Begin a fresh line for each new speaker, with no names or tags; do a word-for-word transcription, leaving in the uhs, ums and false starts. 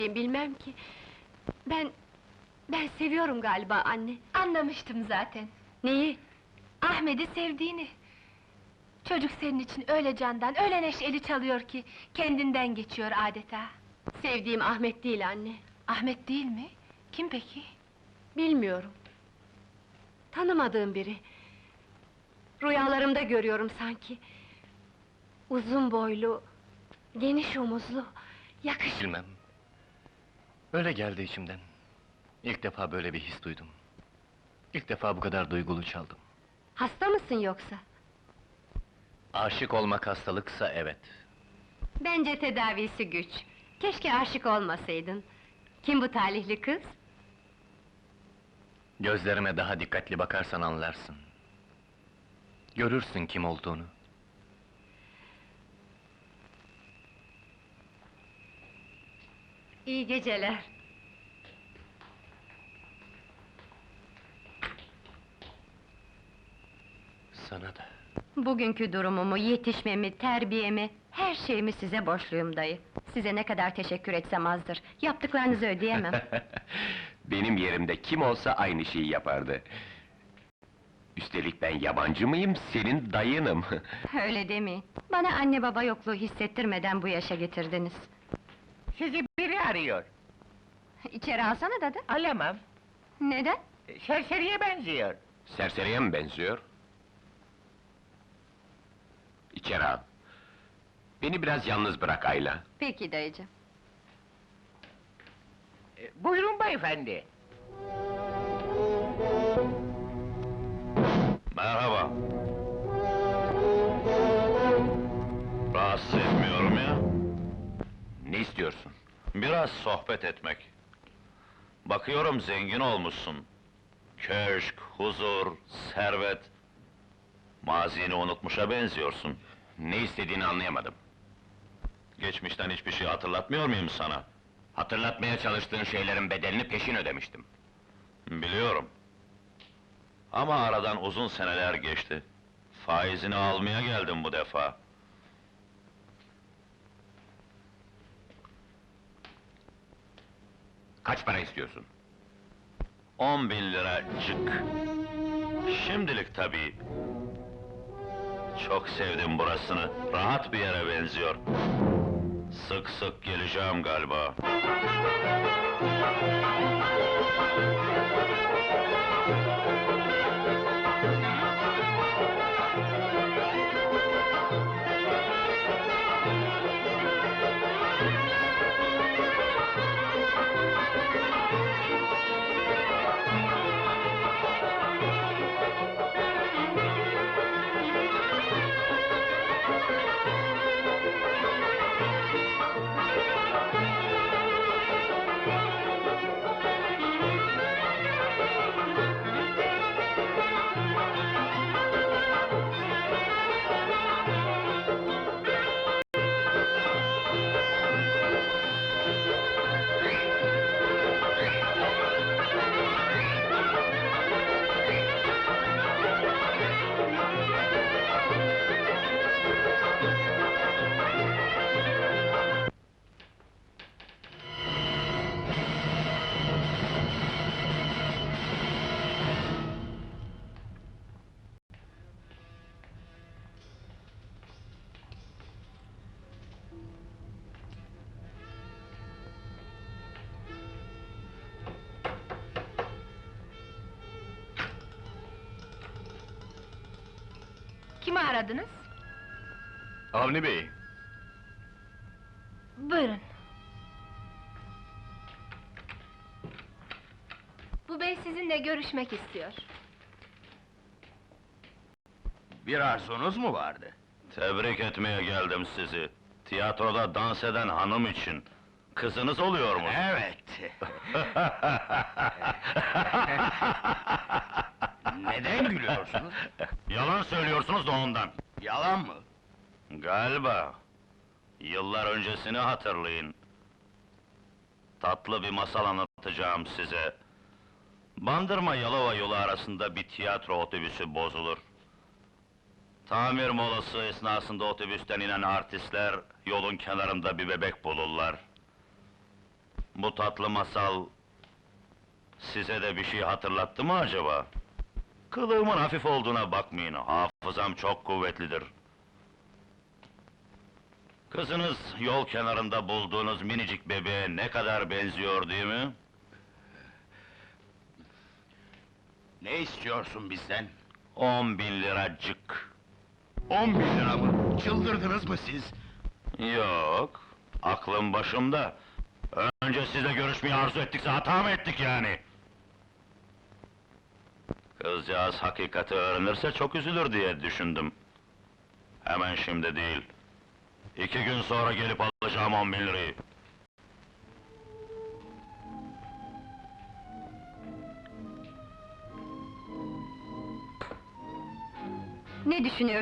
bilmem ki. Ben... Ben seviyorum galiba anne.
Anlamıştım zaten.
Neyi?
Ahmet'i sevdiğini. Çocuk senin için öyle candan, öyle neşeli çalıyor ki... ...kendinden geçiyor adeta.
Sevdiğim Ahmet değil anne.
Ahmet değil mi? Kim peki?
Bilmiyorum. Tanımadığım biri. Rüyalarımda görüyorum sanki. Uzun boylu, geniş omuzlu, yakışıklı...
Bilmem. Öyle geldi içimden. İlk defa böyle bir his duydum. İlk defa bu kadar duygulu çaldım.
Hasta mısın yoksa?
Aşık olmak hastalıksa evet.
Bence tedavisi güç. Keşke aşık olmasaydın. Kim bu talihli kız?
Gözlerime daha dikkatli bakarsan anlarsın. Görürsün kim olduğunu.
İyi geceler.
Sana da.
Bugünkü durumumu, yetişmemi, terbiyemi, her şeyimi size borçluyum dayı. Size ne kadar teşekkür etsem azdır. Yaptıklarınızı ödeyemem.
Benim yerimde kim olsa aynı şeyi yapardı. Üstelik ben yabancı mıyım, senin dayınım.
Öyle demeyin. Bana anne baba yokluğu hissettirmeden bu yaşa getirdiniz.
Sizi biri arıyor.
İçeri alsana dadı.
Alamam.
Neden?
Serseriye benziyor.
Serseriye mi benziyor? İçeri al. Beni biraz yalnız bırak Ayla.
Peki dayıcığım.
E, Buyurun beyefendi.
Merhaba. Rahatsız etmiyorum ya.
Ne istiyorsun?
Biraz sohbet etmek. Bakıyorum zengin olmuşsun. Köşk, huzur, servet... Mazini unutmuşa benziyorsun.
Ne istediğini anlayamadım.
Geçmişten hiçbir şey hatırlatmıyor muyum sana?
Hatırlatmaya çalıştığın şeylerin bedelini peşin ödemiştim.
Biliyorum. Ama aradan uzun seneler geçti. Faizini almaya geldim bu defa.
Kaç para istiyorsun?
On bin lira cık. Şimdilik tabii. Çok sevdim burasını. Rahat bir yere benziyor. Sık sık geleceğim galiba.
Kimi aradınız?
Avni Bey,
Buyurun. Bu bey sizinle görüşmek istiyor.
Bir arzunuz mu vardı?
Tebrik etmeye geldim sizi. Tiyatroda dans eden hanım için. Kızınız oluyor mu?
Evet. Neden gülüyorsunuz?
Yalan söylüyorsunuz da ondan.
Yalan mı?
Galiba. Yıllar öncesini hatırlayın. Tatlı bir masal anlatacağım size. Bandırma Yalova yolu arasında bir tiyatro otobüsü bozulur. Tamir molası esnasında otobüsten inen artistler yolun kenarında bir bebek bulurlar. Bu tatlı masal... size de bir şey hatırlattı mı acaba? Kılığımın hafif olduğuna bakmayın, hafızam çok kuvvetlidir. Kızınız yol kenarında bulduğunuz minicik bebeğe ne kadar benziyor değil mi?
Ne istiyorsun bizden?
On bin liracık.
On bin lira mı? Çıldırdınız mı siz?
Yok, aklım başımda. Önce sizle görüşmeyi arzu ettikse hata mı ettik yani? Kızcağız hakikati öğrenirse çok üzülür diye düşündüm. Hemen şimdi değil. İki gün sonra gelip alacağım on bin lirayı.
Ne düşünüyorsunuz?